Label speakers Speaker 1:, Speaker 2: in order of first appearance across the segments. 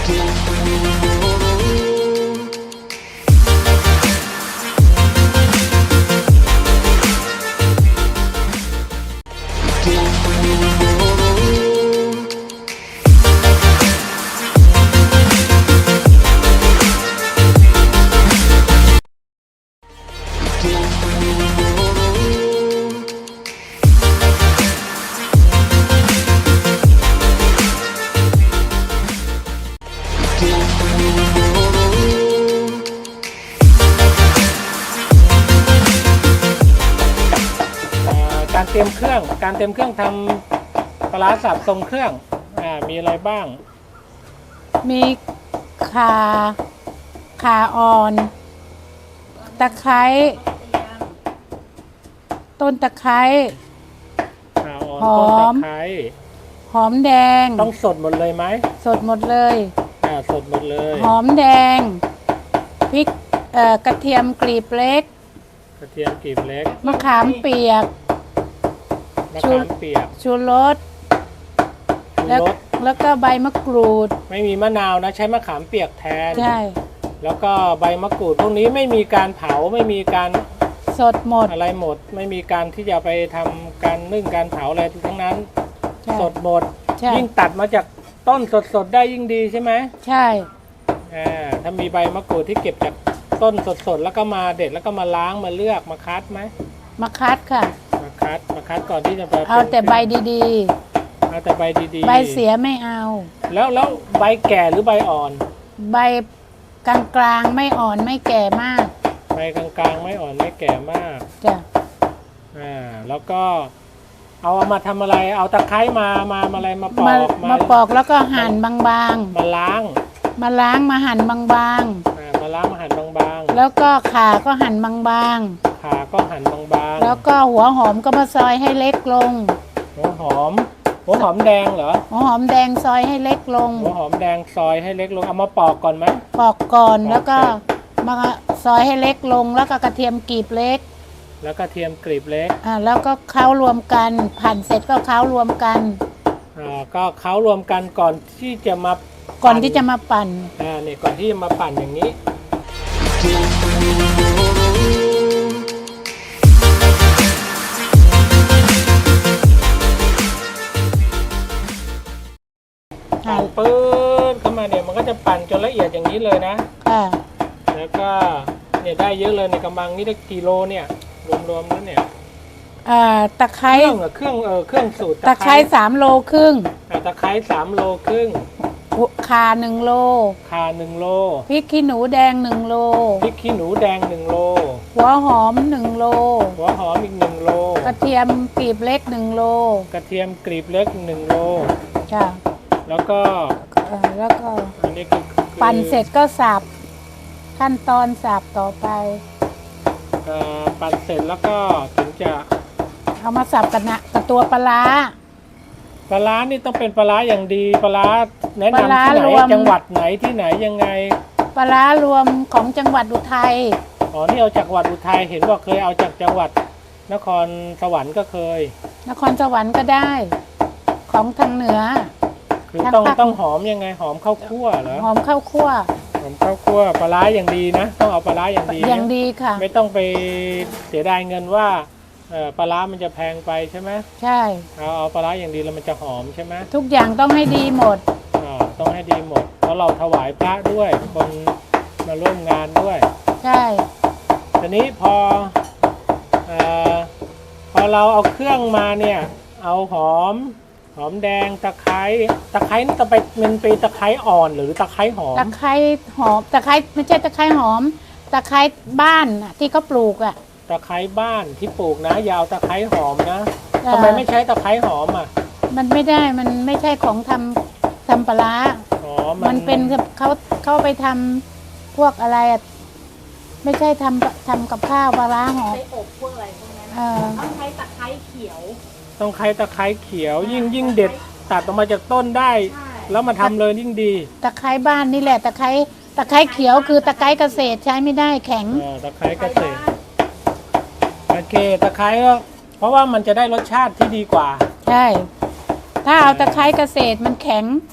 Speaker 1: การเตรียมเครื่องทำปลาร้าสับทรงเครื่องมีอะไรบ้าง
Speaker 2: มีข่าอ่อนตะไคร้ต้นตะไคร้
Speaker 1: ข่าอ่อน
Speaker 2: หอม
Speaker 1: ต้นตะไคร้
Speaker 2: หอมแดง
Speaker 1: ต้องสดหมดเลยไหม
Speaker 2: สดหมดเลย
Speaker 1: สดหมดเลย
Speaker 2: หอมแดงพริกกระเทียมกลีบเล็ก
Speaker 1: กระเทียมกลีบเล็ก
Speaker 2: มะขามเปียกชูรสแล้วก็ใบมะกรูด
Speaker 1: ไม่มีมะนาวนะใช้มะขามเปียกแทน
Speaker 2: ใช่
Speaker 1: แล้วก็ใบมะกรูดพวกนี้ไม่มีการเผาไม่มีการ
Speaker 2: สดหมด
Speaker 1: อะไรหมดไม่มีการที่จะไปทำการนึ่งการเผาอะไรทั้งนั้นสดหมดยิ่งตัดมาจากต้นสดๆได้ยิ่งดีใช่ไหม
Speaker 2: ใช่
Speaker 1: ถ้ามีใบมะกรูดที่เก็บจากต้นสดๆแล้วก็มาเด็ดแล้วก็มาล้างมาเลือกมาคัดไหม
Speaker 2: มาคัดค่ะ
Speaker 1: มาคัดก่อนที่จะไป
Speaker 2: เอาแต่ใบดี
Speaker 1: ๆเอาแต่ใบดีๆ
Speaker 2: ใบเสียไม่เอา
Speaker 1: แล้วใบแก่หรือใบอ่อน
Speaker 2: ใบกลางๆไม่อ่อนไม่แก่มาก
Speaker 1: ใบกลางๆไม่อ่อนไม่แก่มาก
Speaker 2: จ้ะ
Speaker 1: แล้วก็เอามาทำอะไรเอาตะไคร้มาอะไรมาป
Speaker 2: อกแล้วก็หั่นบาง
Speaker 1: ๆมาล้าง
Speaker 2: มาหั่นบางๆ
Speaker 1: มาล้างมาหั่นบาง
Speaker 2: ๆแล้วก็ข่าก็หั่นบาง
Speaker 1: ๆ
Speaker 2: แล้วก็หัวหอมก็มาซอยให้เล็กลง
Speaker 1: หัวหอมแดงเหรอ
Speaker 2: หัวหอมแดงซอยให้เล็กลง
Speaker 1: หัวหอมแดงซอยให้เล็กลงเอามาปอกก่อนไหม
Speaker 2: ปอกก่อนแล้วก็มาซอยให้เล็กลงแล้วก็กระเทียมกลีบเล็กแล้วก็เคล้ารวมกันหั่นเสร็จก็เคล้ารวมกัน
Speaker 1: ก็เคล้ารวมกันก่อนที่จะมา
Speaker 2: ปั่นนี่ก่อน
Speaker 1: ที่จะมาปั่นอย่างนี้ปั่นปื๊ดเข้ามาเนี่ยมันก็จะปั่นจนละเอียดอย่างนี้เลยนะแล้วก็เนี่ยได้เยอะเลยในกำลังนี่ได้กี่โลเนี่ยรวมๆแล้วเนี่ย
Speaker 2: ตะไคร้
Speaker 1: เครื่องสูตร
Speaker 2: ตะไคร้3 โลครึ่ง
Speaker 1: ตะไคร้3 โลครึ่ง
Speaker 2: ข่า1 โลพริกขี้หนูแดง1 โลหัวหอม1 โล
Speaker 1: หัวหอมอีก1 โล
Speaker 2: กระเทียมกลีบเล็ก1 โลจ้ะ
Speaker 1: แล้วก็อันนี้
Speaker 2: ปั่นเสร็จก็สับขั้นตอนสับต่อไป
Speaker 1: ปั่นเสร็จแล้วก็ถึงจะ
Speaker 2: เอามาสับกับตัวปลาร้า
Speaker 1: นี่ต้องเป็นปลาร้าอย่างดีปลาร้าแนะนำที่ไหนจังหวัดไหนที่ไหนยังไง
Speaker 2: ปลาร้ารวมของจังหวัดอุทัย
Speaker 1: นี่เอาจากจังหวัดอุทัยเห็นว่าเคยเอาจากจังหวัดนครสวรรค์ก็เคย
Speaker 2: นครสวรรค์ก็ได้ของทางเหนือ
Speaker 1: คือต้องหอมยังไงหอมข้าวคั่วเหรอ
Speaker 2: หอมข้าวคั่ว
Speaker 1: ปลาร้าอย่างดีนะต้องเอาปลาร้าอย่าง
Speaker 2: ดีค่ะ
Speaker 1: ไม่ต้องไปเสียดายเงินว่าปลาร้ามันจะแพงไปใช่ไหม
Speaker 2: ใช่
Speaker 1: เอาปลาร้าอย่างดีแล้วมันจะหอมใช่ไหม
Speaker 2: ทุกอย่างต้องให้ดีหมด
Speaker 1: ต้องให้ดีหมดเพราะเราถวายพระด้วยคนมาร่วมงานด้วย
Speaker 2: ใช่
Speaker 1: ทีนี้พอเราเอาเครื่องมาเนี่ยเอาหอมแดงตะไคร้นี่จะเป็นตะไคร้อ่อนหรือตะไคร้หอม
Speaker 2: ตะไคร้หอมตะไคร้ไม่ใช่ตะไคร้หอมตะไคร้บ้านที่เขาปลูก
Speaker 1: ตะไคร้บ้านที่ปลูกนะยาวตะไคร้หอมนะทำไมไม่ใช้ตะไคร้หอม
Speaker 2: มันไม่ได้มันไม่ใช่ของทำปลาร้ามันเป็นเขาไปทำพวกอะไรไม่ใช่ทำกับข้าวปลาร้าหอม
Speaker 3: ใช้อบพวกอะไรพวกนั้นต้องใช้ตะไคร้เขียว
Speaker 1: ยิ่งเด็ดตัดออกมาจากต้นได้แล้วมาทำเลยยิ่งดี
Speaker 2: ตะไคร้บ้านนี่แหละตะไคร้เขียวคือตะไคร้เกษตรใช้ไม่ได้แข็ง
Speaker 1: ตะไคร้เกษตรโอเคตะไคร้ก็เพราะว่ามันจะได้รสชาติที่ดีกว่า
Speaker 2: ใช่ถ้าเอาตะไคร้เกษตรมันแข็ง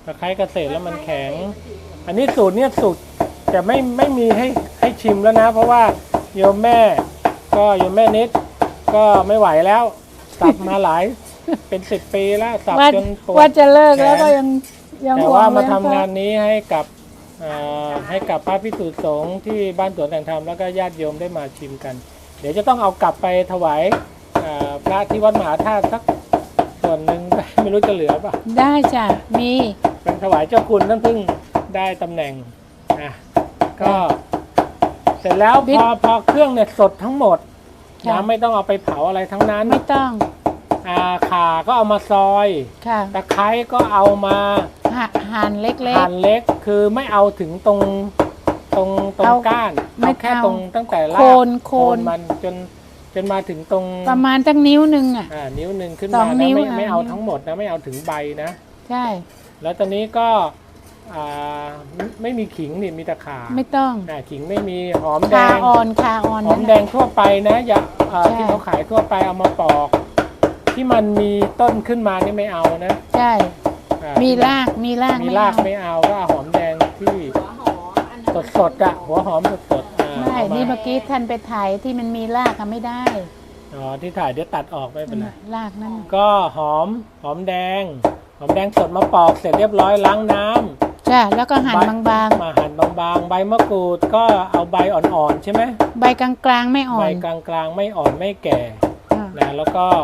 Speaker 1: ตะไคร้เกษตรแล้วมันแข็ง อันนี้สูตรเนี่ยสูตรแต่ไม่มีให้ชิมแล้วนะ เพราะว่าโยมแม่นิดก็ไม่ไหวแล้วสับมาหลาย เป็น10 ปีแล้วสับจนปวด
Speaker 2: ว่าจะเลิกแล้วก็
Speaker 1: แขน
Speaker 2: ยัง
Speaker 1: แต่
Speaker 2: ห่ว
Speaker 1: ว่าง
Speaker 2: เลย
Speaker 1: มาทำงานนี้ให้กับพระภิกษุสงฆ์ที่บ้านสวนแต่งธรรมแล้วก็ญาติโยมได้มาชิมกัน เดี๋ยวจะต้องเอากลับไปถวายพระที่วัดมหาธาตุสักส่วนหนึ่ง ไม่รู้จะเหลือป่ะ
Speaker 2: ได้จ้ะมี
Speaker 1: เป็นถวายเจ้าคุณท่านเพิ่งได้ตำแหน่งก็เสร็จแล้วพอเครื่องเนี่ยสดทั้งหมดนะไม่ต้องเอาไปเผาอะไรทั้งนั้น
Speaker 2: ไม่ต้อง
Speaker 1: ข่าก็เอามาซอย
Speaker 2: ค่ะ
Speaker 1: ตะไคร้ก็เอามา
Speaker 2: หั่นเล็ก
Speaker 1: หั่นเล็กคือไม่เอาถึงตรงก้าน
Speaker 2: ไม่
Speaker 1: เอาแค่
Speaker 2: เอา
Speaker 1: ตรงตั้งแต่ราก
Speaker 2: โคน
Speaker 1: มันจนมาถึงตรง
Speaker 2: ๆประมาณตั้งนิ้วหนึ่งอ่ะ
Speaker 1: นิ้วหนึ่งขึ้น
Speaker 2: สอ
Speaker 1: มาง
Speaker 2: นิ้
Speaker 1: นะ
Speaker 2: ว
Speaker 1: ไม่เอา
Speaker 2: นิ้ว
Speaker 1: ทั้งหมดนะไม่เอาถึงใบนะ
Speaker 2: ใช่
Speaker 1: แล้วตอนนี้ก็ไม่มีขิงนี่มีแต่ข่า
Speaker 2: ไม่ต้อง
Speaker 1: ขิงไม่มีหอมแด
Speaker 2: คาง อ่อน
Speaker 1: หอมแดงทั่วไปนะอย่า
Speaker 2: ใช่
Speaker 1: ที่เขาขายทั่วไปเอามาปอก ที่มันมีต้นขึ้นมานี่ไม่เอานะ
Speaker 2: ใช่ มีราก
Speaker 1: มี
Speaker 2: ไม่
Speaker 1: ราก
Speaker 2: เอา
Speaker 1: ไม่เอาก็เอาหอมแดงที่
Speaker 3: หัวหอมอันนั้น
Speaker 1: สดๆหัวหอมสดๆ
Speaker 2: ไม่
Speaker 1: เอามา
Speaker 2: นี่เมื่อกี้ท่านไปถ่ายที่มันมีรากอะไม่ได้
Speaker 1: ที่ถ่ายเดี๋ยวตัดออกไม่เป็นไร
Speaker 2: รากนั่น
Speaker 1: ก็หอมแดงสดมาปอกเสร็จเรียบร้อยล้างน้ำ
Speaker 2: ใช่แล้วก็หั่นบาง
Speaker 1: มาหั่นบางๆใบมะกรูดก็เอาใบอ่อนๆใช่ไหม
Speaker 2: ๆ ใบกลางๆไม่อ่อ
Speaker 1: ใบ
Speaker 2: น
Speaker 1: กลางๆไม่อ่อนไม่แก่
Speaker 2: อ่า
Speaker 1: นะแล้วก็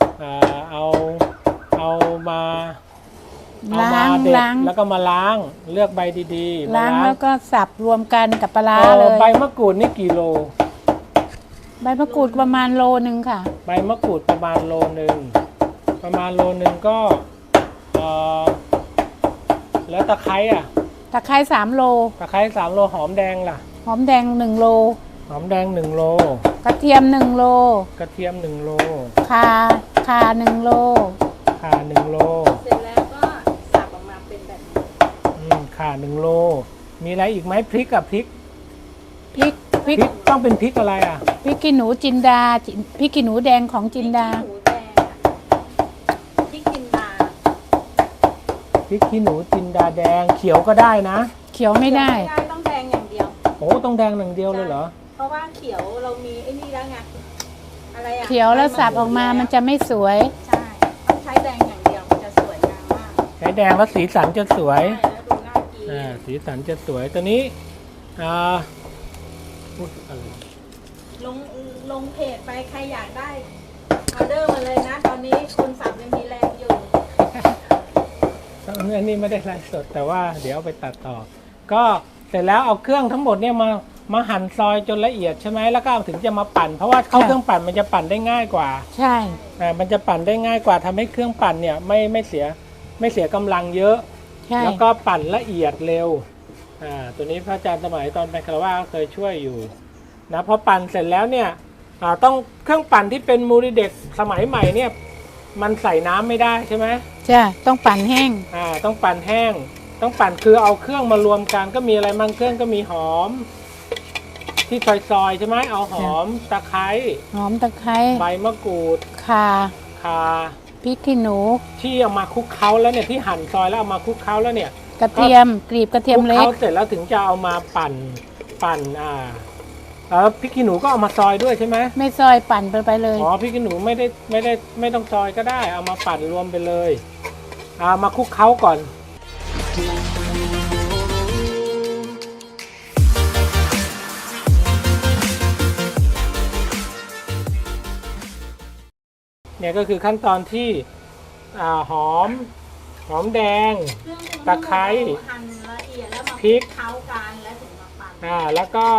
Speaker 1: เอามาเด็ด
Speaker 2: ล้าง
Speaker 1: แล้วก็มาล้างเลือกใบดีๆ
Speaker 2: ล้างแล้วก็สับรวมกันกับปลาร้าเลย
Speaker 1: ใบมะกรูดนี่กี่โล
Speaker 2: ใบมะกรูดประมาณโลนึงค่ะ
Speaker 1: ใบมะกรูดประมาณโลนึงก็แล้วตะไคร้
Speaker 2: ตะไคร้3 โล
Speaker 1: ตะไคร้3 โลหอมแดงล่ะ
Speaker 2: หอมแดง1 โล
Speaker 1: หอมแดง1 โล
Speaker 2: กระเทียม1 โล
Speaker 1: กระเทียม1 โล
Speaker 2: ข่า1 โล
Speaker 1: ข่า1 โล
Speaker 3: เสร็จแล้วก็สับออกมาเป็นแบบนี้
Speaker 1: ข่า1 โลมีอะไรอีกไหมพริกพริก
Speaker 2: พริก
Speaker 1: ต้องเป็นพริกอะไร
Speaker 2: พริกขี้หนูจินดาพริกขี้หนูแดงของจินดา
Speaker 3: หมูแดงพริกจินดา
Speaker 1: พริกขี้หนูจินดาแดงเขียวก็ได้นะ
Speaker 2: เขียวไม่ได้
Speaker 3: ไม่ได้ต้องแดงอย่างเดียว
Speaker 1: โอ้ต้องแดงอย่างเดียวเลยเหรอ
Speaker 3: เพราะว่าเขียวเรามีไอ้นี่แล้วไงอะไรอะ
Speaker 2: เขียวแล้วสับออกมามันจะไม่สวย
Speaker 3: ใช่ต้องใช้แดงอย่างเดียวมันจะสวยงามมาก
Speaker 1: ใช้แดงแล้วสีสันจะสวย
Speaker 3: ใช่แล้วดูน่ากิน
Speaker 1: สีสันจะสวยตัวนี้พูดอะไร
Speaker 3: ลงเพจไปใครอยากได้ออเดอร์มาเลยนะ ตอนนี้คนสับยังมีแรงอยู่
Speaker 1: อันนี้ไม่ได้ไลฟ์สดแต่ว่าเดี๋ยวเอาไปตัดต่อ ก็เสร็จแล้วเอาเครื่องทั้งหมดเนี่ยมาหั่นซอยจนละเอียดใช่ไหมแล้วก็ถึงจะมาปั่น เพราะว่าเข้าเครื่องปั่นมันจะปั่นได้ง่ายกว่า
Speaker 2: ใช่
Speaker 1: มันจะปั่นได้ง่ายกว่าทำให้เครื่องปั่นเนี่ยไม่เสียกำลังเยอะ
Speaker 2: ใช่
Speaker 1: แล้วก็ปั่นละเอียดเร็วตัวนี้พระอาจารย์สมัยตอนเป็นคารวะก็เคยช่วยอยู่นะพอปั่นเสร็จแล้วเนี่ยต้องเครื่องปั่นที่เป็นมูริเด็กสมัยใหม่เนี่ยมันใส่น้ำไม่ได้ใช่ไหม
Speaker 2: ใช่ต้องปั่นแห้ง
Speaker 1: ต้องปั่นแห้งต้องปั่นคือเอาเครื่องมารวมกันก็มีอะไรบางเครื่องก็มีหอม ที่ซอยๆใช่ไหมเอาหอมตะไคร้
Speaker 2: หอมตะไคร้
Speaker 1: ใบมะกรูด
Speaker 2: ข่า
Speaker 1: ข่า
Speaker 2: พริกขี้หนู
Speaker 1: ที่เอามาคลุกเคล้าแล้วเนี่ยที่หั่นซอยแล้วเอามาคลุกเคล้าแล้วเนี่ย
Speaker 2: กระเทียมกรีบกระเทียมเล็
Speaker 1: คลุ
Speaker 2: ก
Speaker 1: กเคล้าเสร็จแล้วถึงจะเอามาปั่นแล้วพริกขี้หนูก็เอามาซอยด้วยใช่ไหม
Speaker 2: ไม่ซอยปั่นไปเลย
Speaker 1: อ๋อพริกขี้หนูไม่ต้องซอยก็ได้เอามาปั่นรวมไปเลยมาคลุกเคล้าก่อนเนี่ยก็คือขั้นตอนที่หอมแดง ตะไคร้
Speaker 3: หั่นละเอียดแล้วมา
Speaker 1: พริก
Speaker 3: เคล้ากันแล้วถึงมาปั่น
Speaker 1: แล้วก็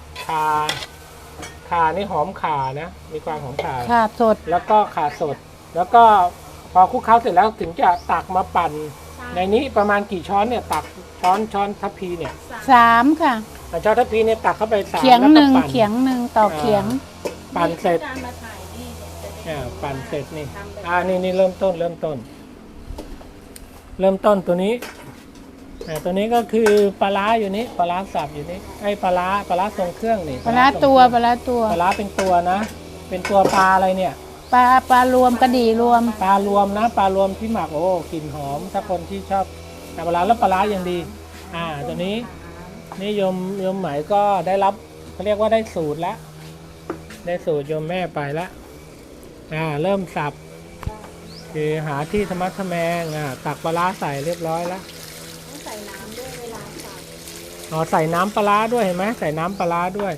Speaker 1: ข่านี่หอมข่านะมีความหอมข่า
Speaker 2: ข่าสด
Speaker 1: แล้วก็ข่าสด แล้วก็พอคลุกเคล้าเสร็จแล้วถึงจะตักมาปั่นในนี้ประมาณกี่ช้อนเนี่ยตักช้อนทัพพีเนี่ย
Speaker 2: 3 ค่ะ
Speaker 1: ช้อนทัพพีเนี่ยตักเข้าไป3
Speaker 2: เขียง
Speaker 1: แล้ว
Speaker 2: ห
Speaker 1: ก็
Speaker 2: นึ่ง
Speaker 1: ปั่น
Speaker 2: เขียงหนึ่งต่อเขียง
Speaker 1: ปั่นเสร็จ
Speaker 3: มีการมาถ่ายนี่เนี่ยจะได้
Speaker 1: ปั่นเสร็จนี่
Speaker 3: ทำแบบ
Speaker 1: นี่เริ่มต้นตัวนี้ตัวนี้ก็คือปลาร้าอยู่นี้ปลาร้าสับอยู่นี้ไอ้ปลาร้าทรงเครื่องนี่
Speaker 2: ปลาร้าตัว
Speaker 1: ปลาร้าเป็นตัวนะ เป็นตัวปลาอะไรเนี่ย
Speaker 2: ปลารวมกระดี่รวม
Speaker 1: ปลารวมนะปลารวมที่หมักโอ้กลิ่นหอมถ้าคนที่ชอบแต่ปลาร้าแล้วปลาร้ายังดีตัวนี้นี่โยมไหมก็ได้รับเขาเรียกว่าได้สูตรแล้วได้สูตรโยมแม่ไปแล้วเริ่มสับคือหาที่ธรรมะทแมงตักปลาร้าใส่เรียบร้อยแล้ว
Speaker 3: ต้องใส่น้ำด้วยเวลาสับ
Speaker 1: ใส่น้ำปลาร้าด้วยเห็นไหมใส่น้ำปลาร้าด้วย